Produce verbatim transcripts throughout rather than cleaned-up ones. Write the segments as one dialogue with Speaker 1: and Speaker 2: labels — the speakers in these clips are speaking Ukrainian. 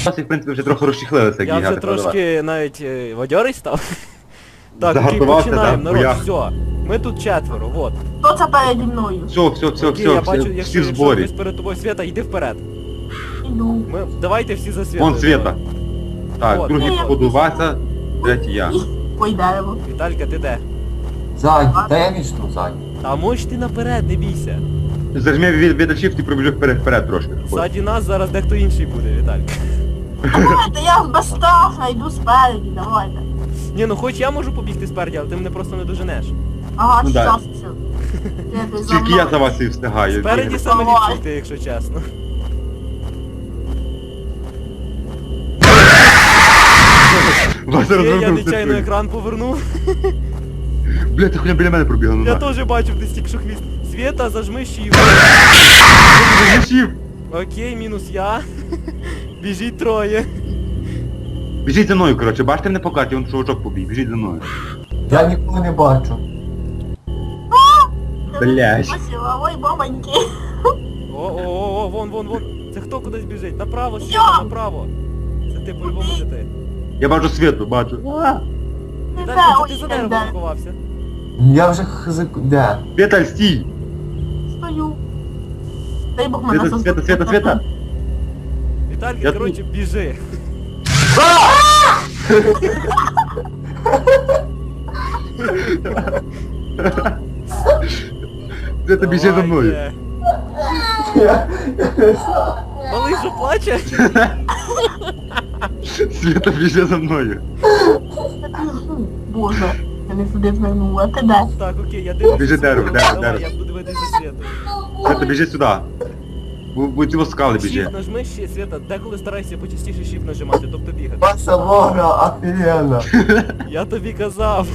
Speaker 1: Нас, в принципі, вже трохи розчехлилися, як
Speaker 2: Я вже
Speaker 1: бігати,
Speaker 2: трошки навіть е, бадьорий став. Так, окей,
Speaker 1: Загартувався,
Speaker 2: починаємо,
Speaker 1: так,
Speaker 2: народ,
Speaker 1: боях.
Speaker 2: все. Ми тут четверо, вот.
Speaker 3: Хто це переді мною?
Speaker 1: Все, все, все,
Speaker 2: Окей, я
Speaker 1: все,
Speaker 2: бачу,
Speaker 1: всі,
Speaker 2: якщо,
Speaker 1: всі в
Speaker 2: якщо
Speaker 1: зборі.
Speaker 2: хтось перед тобою Света, йди вперед.
Speaker 3: Іду.
Speaker 2: Ми, давайте всі за Света.
Speaker 1: Вон Света. Так,
Speaker 2: Вот.
Speaker 1: другий
Speaker 3: Ні.
Speaker 1: походу Вася, третій я.
Speaker 3: Ой, дерево.
Speaker 2: Віталька, ти де?
Speaker 4: Ззаді, та я вічно ззаді.
Speaker 2: Та можеш ти наперед, не бійся.
Speaker 1: Зажми від від shift і пробіжи вперед, вперед трошки.
Speaker 2: Ззаді нас зараз дехто інший буде, Віталька.
Speaker 3: Давайте, я безстрашна, йду спереді, давайте.
Speaker 2: Ні, ну хоч я можу побігти спереді, але ти мене просто не доженеш.
Speaker 3: Ага,
Speaker 1: Ну, да.
Speaker 3: щас, все. Ти за
Speaker 1: Тільки я за
Speaker 3: мною.
Speaker 1: вас і встигаю.
Speaker 2: Спереді
Speaker 1: бігати.
Speaker 2: саме
Speaker 3: Давай.
Speaker 2: ліпше йти, якщо чесно.
Speaker 1: Вася
Speaker 2: Окей, я
Speaker 1: розвернувся.
Speaker 2: нечайно екран повернув.
Speaker 1: Бля, ти хуйня біля мене пробігла, ну
Speaker 2: Я
Speaker 1: на.
Speaker 2: теж бачив десь тільки що хвіст. Света, зажми shift.
Speaker 1: Shift.
Speaker 2: Окей, мінус я. Біжіть троє.
Speaker 1: Біжіть за мною, коротше, бачите мене по карті, вон чувачок побіг, біжіть за мною.
Speaker 4: Я нікого не бачу.
Speaker 1: Блядь.
Speaker 3: Спасибо, ой, бабоньки.
Speaker 2: О-о-о, вон, вон, вон. Це хто кудись біжить? Направо,
Speaker 3: Я.
Speaker 2: Света, направо. Це ти по-любому не ти.
Speaker 1: Я бачу світу, бачу.
Speaker 3: Ти
Speaker 2: Віталій,
Speaker 3: де?
Speaker 2: це
Speaker 3: Ой,
Speaker 2: ти за
Speaker 3: де?
Speaker 2: деревом сховався.
Speaker 4: Я вже хз... Де?
Speaker 1: Віталь, стій!
Speaker 3: Стою. Дай Бог мене
Speaker 1: Света, Света, Света, Света!
Speaker 2: Віталька,
Speaker 1: Я
Speaker 2: коротше, біжи.
Speaker 1: Света, біжи за мною.
Speaker 2: Давайте.
Speaker 4: Я...
Speaker 2: Малий що плаче?
Speaker 1: Света, біжи за мною.
Speaker 3: Боже, я не сюди звернула. Ти де?
Speaker 2: Так, окей, я дивлюся.
Speaker 1: Біжи дерево,
Speaker 2: Давай,
Speaker 1: дерево,
Speaker 2: давай,
Speaker 1: дерево.
Speaker 2: я буду дивитися за Світою.
Speaker 1: Света, біжи сюди. Бу- Будь цього скали біжи.
Speaker 2: Shift нажми ще, Света, деколи старайся почастіше shift нажимати, тобто бігати.
Speaker 4: Ваша вора офігенна.
Speaker 2: Я тобі казав.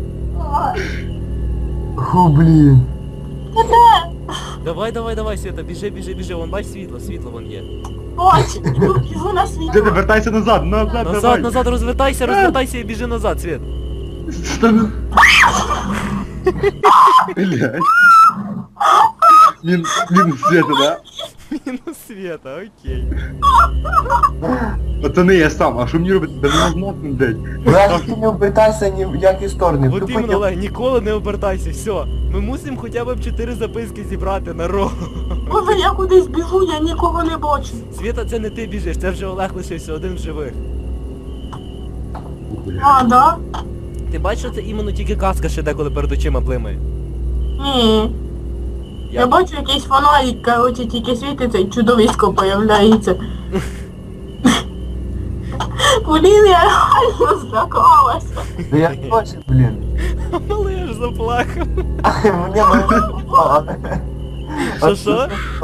Speaker 4: Ху, блін.
Speaker 3: Ти де?
Speaker 2: Давай, давай, давай, Света, біжи, біжи, біжи, вон бач світло, світло вон є.
Speaker 3: Бач, іду, біжу на світло.
Speaker 1: Света, вертайся назад, назад,
Speaker 2: Назад,
Speaker 1: давай.
Speaker 2: назад, розвертайся, розвертайся і біжи назад, Свет.
Speaker 1: Та ну- Блядь. Мін, мінус Света, да?
Speaker 2: Мінус Света, окей.
Speaker 1: Оце не я сам, а що мені робити? Да не можна, блядь.
Speaker 4: Брат, ти не обертайся ні в які сторони.
Speaker 2: От
Speaker 4: Тупо
Speaker 2: іменно,
Speaker 4: я-
Speaker 2: Олег, ніколи не обертайся, все. Ми мусимо хоча б чотири записки зібрати на ро.
Speaker 3: Боже, я кудись біжу, я нікого не бачу.
Speaker 2: Света, це не ти біжиш, це вже Олег лишився один в живих.
Speaker 3: А, да?
Speaker 2: Ти бачиш, що це іменно тільки каска ще деколи перед очима блимає?
Speaker 3: Ні. Я бачу якийсь фонарик, короче, тільки світиться і чудовисько появляється. Блін, я реально злякалася.
Speaker 4: Да я бачу, блін.
Speaker 2: Малий аж заплакав.
Speaker 4: Мені мене...
Speaker 2: Що, що?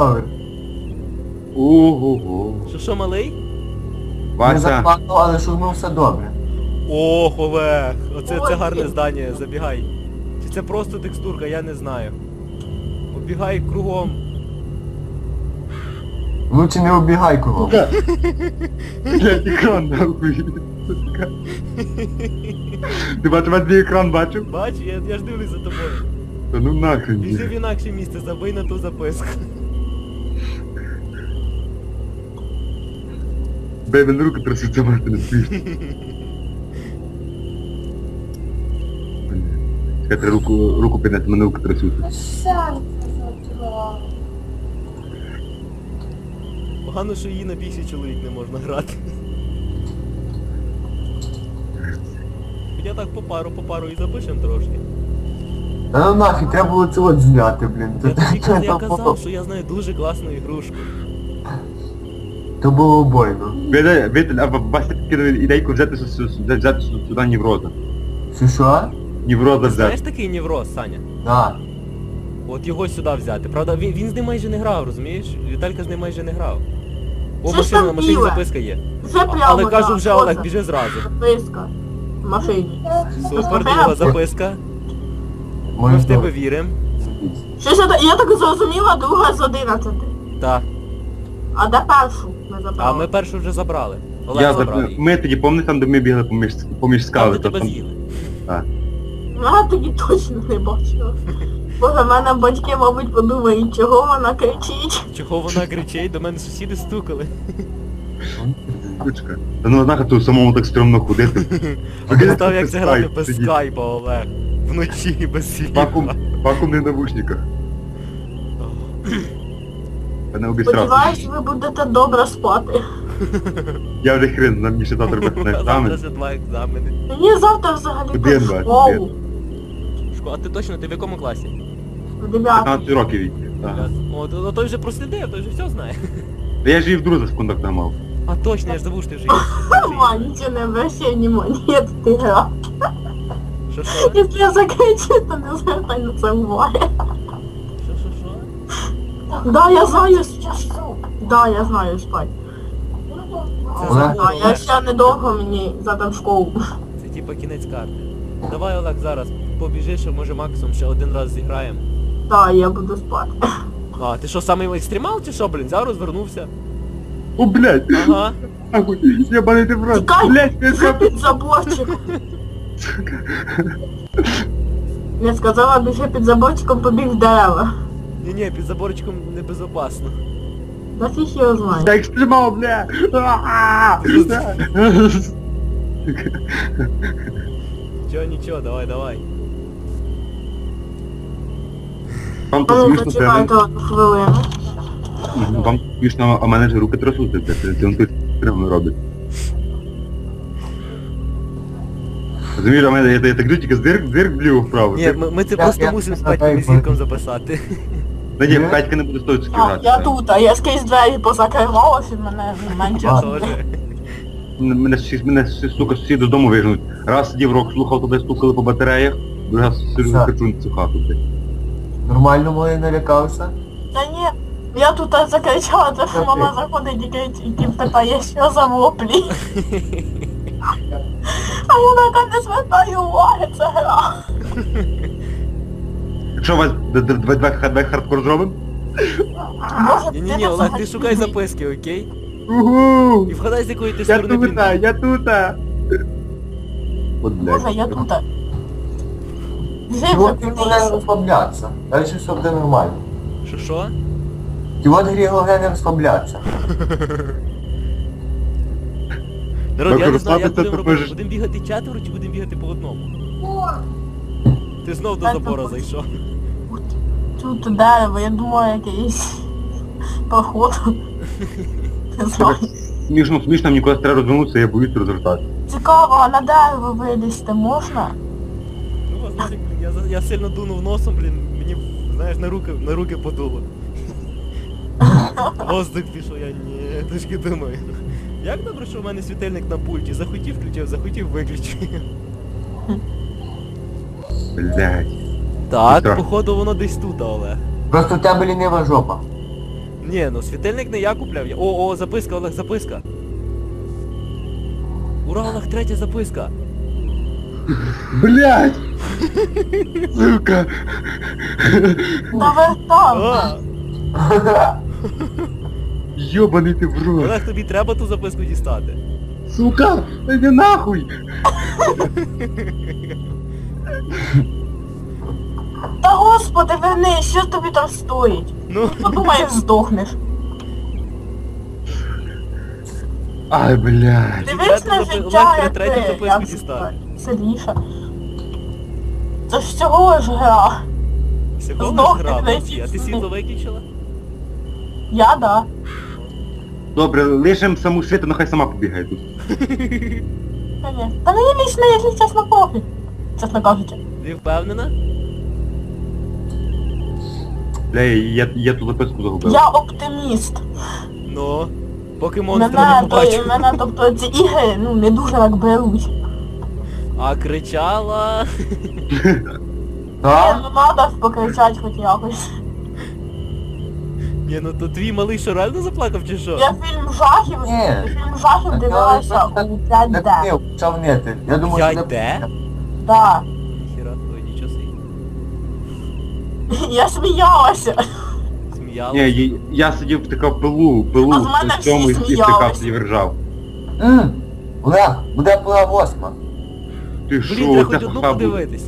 Speaker 1: Ого-го.
Speaker 2: Що, що, малий?
Speaker 4: Не
Speaker 1: Вася,
Speaker 4: заплакав, але що ну все добре.
Speaker 2: Ох, Олег, оце
Speaker 3: Ой,
Speaker 2: це гарне
Speaker 3: ні.
Speaker 2: здання, забігай. Чи це просто текстурка, я не знаю. Обігай кругом.
Speaker 4: Лучше не убігай кого.
Speaker 1: блядь, екран нахуй. Ти бачив, я твій екран бачив?
Speaker 2: Бач, я, я ж дивлюсь за тобою.
Speaker 1: Та ну нахрен.
Speaker 2: Біжи в інакше місце, забий на ту записку.
Speaker 1: Бей, мене руки трясуться, мати не смішно. Чекайте, руку, руку підняти, мене руки трясуться.
Speaker 2: Погано, що її на більший чоловік не можна грати. Я так по пару, по пару і запишем трошки.
Speaker 4: Та ну нафіг, треба було це от зняти, блін.
Speaker 2: Я
Speaker 4: То-
Speaker 2: тобі
Speaker 4: то-
Speaker 2: каз- я
Speaker 4: то
Speaker 2: казав,
Speaker 4: було-
Speaker 2: що я знаю дуже класну ігрушку.
Speaker 4: То було обойно.
Speaker 1: Віталь, Віталь, а Вася підкинув ідейку взяти, сю- сю- взяти, взяти сю- сюди Нівроза.
Speaker 4: Що що?
Speaker 1: Нівроза
Speaker 2: Знаєш
Speaker 1: взяти.
Speaker 2: такий невроз, Саня?
Speaker 4: Да.
Speaker 2: От його сюди взяти. Правда, він, він з ним майже не грав, розумієш? Віталька з ним майже не грав. О,
Speaker 3: Це ж
Speaker 2: машина, на
Speaker 3: там
Speaker 2: машині
Speaker 3: біле.
Speaker 2: записка є.
Speaker 3: Вже прямо.
Speaker 2: Але кажу
Speaker 3: так,
Speaker 2: вже,
Speaker 3: оце.
Speaker 2: Олег, біжи зразу.
Speaker 3: Записка. В машині.
Speaker 2: Супер, друга записка. Ми
Speaker 4: Може
Speaker 2: в тебе
Speaker 4: добре.
Speaker 2: віримо.
Speaker 3: Щось я, так- я так зрозуміла, друга з одинадцяти.
Speaker 2: Так.
Speaker 3: А де першу не забрала?
Speaker 2: А ми першу вже забрали. Олег
Speaker 1: Я
Speaker 2: забрав
Speaker 1: заб...
Speaker 2: її.
Speaker 1: Ми тоді, пам'ятаєш, там, де ми бігли поміж, поміж
Speaker 2: Там,
Speaker 1: скали,
Speaker 2: де
Speaker 1: то
Speaker 2: тебе
Speaker 1: там...
Speaker 2: з'їли.
Speaker 3: Я тоді точно не бачила. Боже, в мене батьки, мабуть, подумають, чого вона кричить.
Speaker 2: Чого вона кричить? До мене сусіди стукали.
Speaker 1: Сучка. Та ну нахуй тут самому так стрьомно ходити.
Speaker 2: Представ, як це грати без
Speaker 1: Сидіть.
Speaker 2: скайпа, Олег. Вночі без
Speaker 1: Вакуум,
Speaker 2: світла.
Speaker 1: вакуумний навушниках. Я не обісрався.
Speaker 3: Сподіваюсь, ви будете добре спати.
Speaker 1: Я вже хрен, нам мені ще завтра буде на
Speaker 2: Завтра
Speaker 1: екзамен.
Speaker 2: ще два екзамени.
Speaker 3: Мені завтра взагалі
Speaker 1: Один,
Speaker 3: в
Speaker 1: два,
Speaker 3: школу.
Speaker 2: Шко, а ти точно, ти в якому класі?
Speaker 3: Дев'ятий.
Speaker 1: п'ятнадцять років віки. Ага.
Speaker 2: О, то, той вже прослідив, той вже все знає.
Speaker 1: Та я ж її в друза в контакт мав.
Speaker 2: А точно, я ж забув, що ти вже
Speaker 3: Ма, нічого не обращай внимания, это ты гра.
Speaker 2: Що, що?
Speaker 3: Если я закричу, то не звертай на це уваги.
Speaker 2: Що, що, що?
Speaker 3: Да, я знаю, сейчас. Да, я знаю спать.
Speaker 2: Це
Speaker 4: Олег?
Speaker 2: забув,
Speaker 3: Да, я
Speaker 2: Олег.
Speaker 3: ще недовго мені завтра в школу.
Speaker 2: Це типа кінець карти. Давай, Олег, зараз побіжиш, а може максимум ще один раз зіграємо.
Speaker 3: Да, я буду спати.
Speaker 2: А, ти що, самий екстремал чи що, блін? Зараз розвернувся.
Speaker 1: О, блядь!
Speaker 2: Ага.
Speaker 1: Нахуй, ебаний ти в рот.
Speaker 3: Тікай!
Speaker 1: Блядь, я
Speaker 3: Вже під заборчик. Я сказала, біжи під заборчиком, побіг в дерева.
Speaker 2: Ні-ні, під заборчиком небезопасно.
Speaker 3: Да фіг його знає.
Speaker 1: Я екстремал, бля! А-а-а!
Speaker 2: Нічого, нічого, давай, давай.
Speaker 1: Вам
Speaker 3: А
Speaker 1: то
Speaker 3: ну,
Speaker 1: смішно,
Speaker 3: почекайте
Speaker 1: це...
Speaker 3: одну хвилину.
Speaker 1: Вам смішно, а мене ж руки трясуться, це це він тут прямо робить. Розумієш, а мене, я, я так тільки здирк, здирк вліво вправо.
Speaker 2: Ні, ми, ми це
Speaker 4: Я-
Speaker 2: просто
Speaker 4: я-
Speaker 2: мусимо з
Speaker 4: я-
Speaker 2: Петьком
Speaker 4: я-
Speaker 2: і зірком записати.
Speaker 1: Та ні, Катька не буде стоїть
Speaker 3: А,
Speaker 1: грати.
Speaker 3: я тут, а я скрізь двері позакривалась і мене менше.
Speaker 2: Я
Speaker 3: буде.
Speaker 2: теж.
Speaker 1: Мене, всі- мене, сука, сусіди з дому вижнуть. Раз сидів рок, слухав, туди стукали по батареях, другий раз сижу
Speaker 4: Все.
Speaker 1: кричу на цю хату, блядь.
Speaker 4: Нормально моє налякався?
Speaker 3: Та ні, я тут закричала, то що мама заходить і кричить, і питає, що за воплі. А я така не звертаю уваги, це гра.
Speaker 1: Якщо у вас д- д- давай давай давай хардкор зробимо?
Speaker 3: Може,
Speaker 2: Ні-ні-ні,
Speaker 3: ти
Speaker 2: Олег, ти
Speaker 3: взагалі
Speaker 2: шукай
Speaker 3: не-
Speaker 2: записки, окей?
Speaker 1: Угу!
Speaker 2: І вгадай, з якої ти
Speaker 1: Я
Speaker 2: сторони
Speaker 1: тут,
Speaker 2: пінку.
Speaker 1: я тут! От, блядь.
Speaker 3: Може, я тут. Вже
Speaker 4: Чого
Speaker 3: вже
Speaker 4: ти не
Speaker 3: кудись.
Speaker 4: розслаблятися? Далі все буде нормально.
Speaker 2: Що, що?
Speaker 4: Чого ти головне не розслаблятися?
Speaker 2: Народ, я не знаю, як
Speaker 1: розслабитися,
Speaker 2: будемо
Speaker 1: то
Speaker 2: робити.
Speaker 1: можеш-
Speaker 2: Будемо бігати четверо чи будемо бігати по одному? Ти знов до
Speaker 3: Так,
Speaker 2: забора
Speaker 3: так.
Speaker 2: зайшов.
Speaker 3: Тут дерево, я думаю, якийсь поход. Не знаю.
Speaker 1: Смішно, смішно, мені коли треба розвернутися, я боюсь розвертати.
Speaker 3: Цікаво, а на дерево вилізти можна?
Speaker 2: Ну, вас нафіг, блін, я, за- я сильно дунув носом, блін, мені, знаєш, на руки, на руки подуло. Воздух пішов, я ні, трошки думаю. Як добре, що в мене світильник на пульті. Захотів включив, захотів виключив.
Speaker 1: Блядь.
Speaker 2: Так,
Speaker 1: Страшно.
Speaker 2: походу воно десь тут, Олег.
Speaker 4: Просто в тебе лінива жопа.
Speaker 2: Ні, ну світильник не я купляв. я- О, о, записка, Олег, записка. Ура, Олег, третя записка.
Speaker 1: Блядь! Сука!
Speaker 3: Та ви там.
Speaker 2: А,
Speaker 1: Йобаний ти в рот!
Speaker 2: Олег, тобі треба ту записку дістати.
Speaker 1: Сука! Іди нахуй!
Speaker 3: Та господи, верни, що тобі там стоїть?
Speaker 2: Ну,
Speaker 3: Подумаєш, здохнеш.
Speaker 1: Ай, блядь!
Speaker 3: Дивись на
Speaker 2: Третю запи-
Speaker 3: життя,
Speaker 2: Олег,
Speaker 3: як
Speaker 2: третю
Speaker 3: ти,
Speaker 2: записку
Speaker 3: як
Speaker 2: дістати.
Speaker 3: сильніше. Це ж всього лиш гра.
Speaker 2: всього
Speaker 3: Здохни,
Speaker 2: лиш грав,
Speaker 3: блядь.
Speaker 2: молодці. А ти світло виключила?
Speaker 3: Я, да.
Speaker 1: Добре, лишим саму світу, нехай сама побігає тут.
Speaker 3: Та ні. Та мені лічно, якщо чесно, пофіг. Чесно кажучи.
Speaker 2: Ти впевнена?
Speaker 1: Бля, я, я ту записку загубив.
Speaker 3: Я оптиміст.
Speaker 2: Ну, поки монстра
Speaker 3: Мене,
Speaker 2: не
Speaker 3: то,
Speaker 2: побачив.
Speaker 3: мене, тобто, ці ігри, ну, не дуже так беруть.
Speaker 2: А кричала.
Speaker 3: Ні,
Speaker 4: Так?
Speaker 3: ну надо покричати хоч якось.
Speaker 2: Ні, ну то твій малий що реально заплакав чи що?
Speaker 3: Я фільм жахів,
Speaker 4: Ні.
Speaker 3: фільм жахів
Speaker 4: Так,
Speaker 3: дивилася
Speaker 4: але-
Speaker 3: у
Speaker 4: Так
Speaker 3: п'ять де.
Speaker 4: не, почав нити. Я думаю,
Speaker 2: п'ять
Speaker 4: що
Speaker 2: де?
Speaker 4: не-
Speaker 3: Да.
Speaker 2: Хіра, ой, нічого собі.
Speaker 3: Я сміялася.
Speaker 2: Сміялась.
Speaker 1: Ні, я, я сидів втикав пилу, пилу,
Speaker 3: А з мене
Speaker 1: в цьому і
Speaker 3: всі
Speaker 1: втикав
Speaker 3: сміялись.
Speaker 1: і ржав.
Speaker 4: М, Олег, буде пила восьма.
Speaker 1: Ти
Speaker 2: Блін,
Speaker 1: шо,
Speaker 2: треба
Speaker 1: це
Speaker 2: хоч одну
Speaker 1: ха буде?
Speaker 2: подивитись.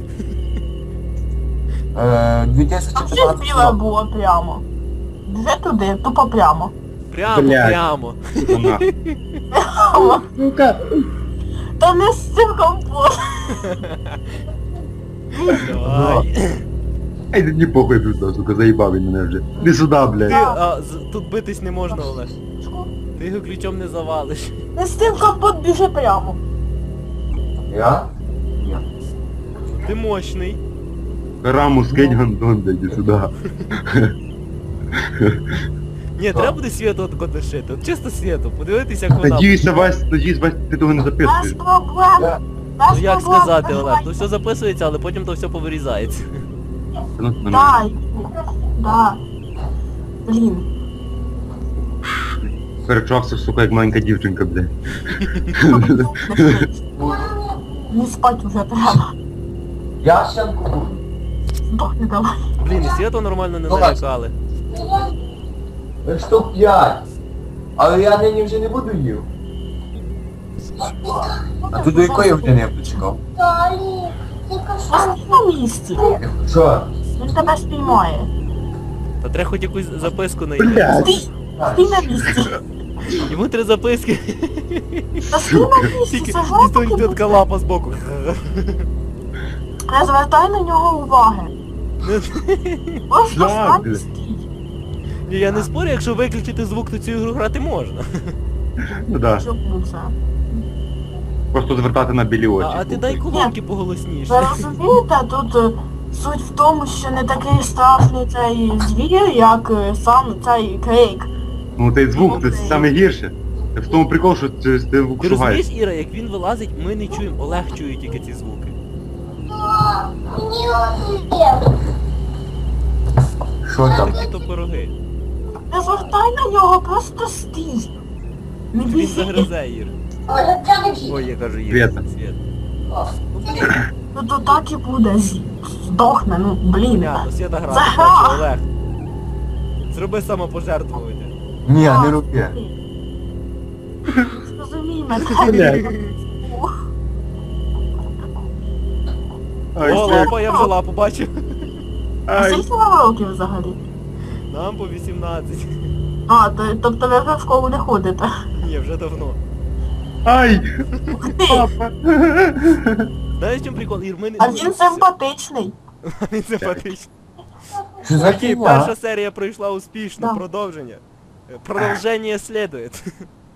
Speaker 4: Е,
Speaker 3: Там щось біле
Speaker 4: дві тисячі п'ятнадцятого.
Speaker 3: було прямо. Вже туди, тупо прямо.
Speaker 2: Прямо,
Speaker 1: Блядь.
Speaker 2: прямо.
Speaker 1: Сука, нахуй. Сука.
Speaker 3: Та не з цим компот.
Speaker 2: Давай.
Speaker 1: Ай, да не похуй тут, сука, заїбав він мене вже. Не сюди,
Speaker 2: Ти,
Speaker 1: блядь.
Speaker 2: а, з- тут битись не можна, Олег. Ти його ключом не завалиш.
Speaker 3: Не з цим компот біжи прямо.
Speaker 4: Я? Ні.
Speaker 2: Ти мощний.
Speaker 1: Раму скинь гандон, да йди сюди.
Speaker 2: Ні, треба буде світу от лишити. От чисто світу, подивитися, як вона.
Speaker 1: Надіюся, Вась, надіюсь, Вась, ти того не
Speaker 3: Без
Speaker 1: записуєш.
Speaker 3: проблем.
Speaker 4: Я-
Speaker 3: Без
Speaker 2: Ну як
Speaker 3: проблем,
Speaker 2: сказати, Олег,
Speaker 3: давай.
Speaker 2: то все записується, але потім то все повирізається.
Speaker 1: Ну, ну, ну.
Speaker 3: Дай. Да. Блін.
Speaker 1: Перечався, сука, як маленька дівчинка, блядь.
Speaker 3: Не спать уже треба.
Speaker 4: Я ще куплю.
Speaker 3: Здохни давай.
Speaker 2: Блін, і світу нормально не
Speaker 4: Ну,
Speaker 2: налякали.
Speaker 4: Штук п'ять. Але я нині вже не буду їв. А тут до якої години я почекав?
Speaker 3: Постій на місці.
Speaker 4: Що?
Speaker 3: Він тебе спіймає.
Speaker 2: Та треба хоч якусь записку знайти.
Speaker 1: Блядь.
Speaker 3: Стій. Стій на місці.
Speaker 2: Йому три записки.
Speaker 3: Та стій на місці,
Speaker 2: Тільки
Speaker 3: це
Speaker 2: і стоїть
Speaker 3: жорстко.
Speaker 2: така лапа збоку.
Speaker 3: Не звертай на нього уваги. Просто
Speaker 1: Да,
Speaker 3: стань і
Speaker 1: блядь.
Speaker 3: стій.
Speaker 2: Ні, я не спорю, якщо виключити звук, то цю ігру грати можна.
Speaker 1: Ну да.
Speaker 3: Чому це?
Speaker 1: Просто звертати на білі
Speaker 2: А,
Speaker 1: очі.
Speaker 2: а ти дай колонки поголосніше.
Speaker 3: Ви розумієте, тут е, суть в тому, що не такий страшний цей звір, як е, сам цей крейк.
Speaker 1: Ну цей звук, це саме гірше. В тому прикол, що ти, ти
Speaker 2: Ти
Speaker 1: шугаєш.
Speaker 2: розумієш, Іра, як він вилазить, ми не чуємо, Олег чує тільки ці звуки.
Speaker 4: Що там?
Speaker 2: Такі то пироги.
Speaker 3: Не звертай на нього, просто стій. Не
Speaker 2: Він
Speaker 3: бійся.
Speaker 2: загризе, Ір. Ой, я кажу, Ір.
Speaker 1: Света.
Speaker 2: Свет. Ну, блін,
Speaker 3: Ну то так і буде. з- Здохне, ну блін.
Speaker 2: понятно, Света грати
Speaker 3: Загра.
Speaker 2: хоче, Олег. Зроби самопожертвування.
Speaker 4: Ні, не роби.
Speaker 3: Зрозумій мене.
Speaker 1: Ай,
Speaker 2: О,
Speaker 1: блядь.
Speaker 2: лапа, я вже лапу бачив.
Speaker 3: А
Speaker 1: Ай.
Speaker 3: скільки вам років взагалі?
Speaker 2: Нам по вісімнадцять.
Speaker 3: А, то, тобто ви вже в школу не ходите.
Speaker 2: Ні, вже давно.
Speaker 1: Ай!
Speaker 3: Ух ти!
Speaker 1: Папа!
Speaker 2: Знаєш, в чому прикол? Ір, ми не...
Speaker 3: А він симпатичний.
Speaker 2: Він симпатичний.
Speaker 4: Що за
Speaker 2: Окей,
Speaker 4: фігня?
Speaker 2: перша серія пройшла успішно,
Speaker 3: Да.
Speaker 2: продовження. Продовження слідує.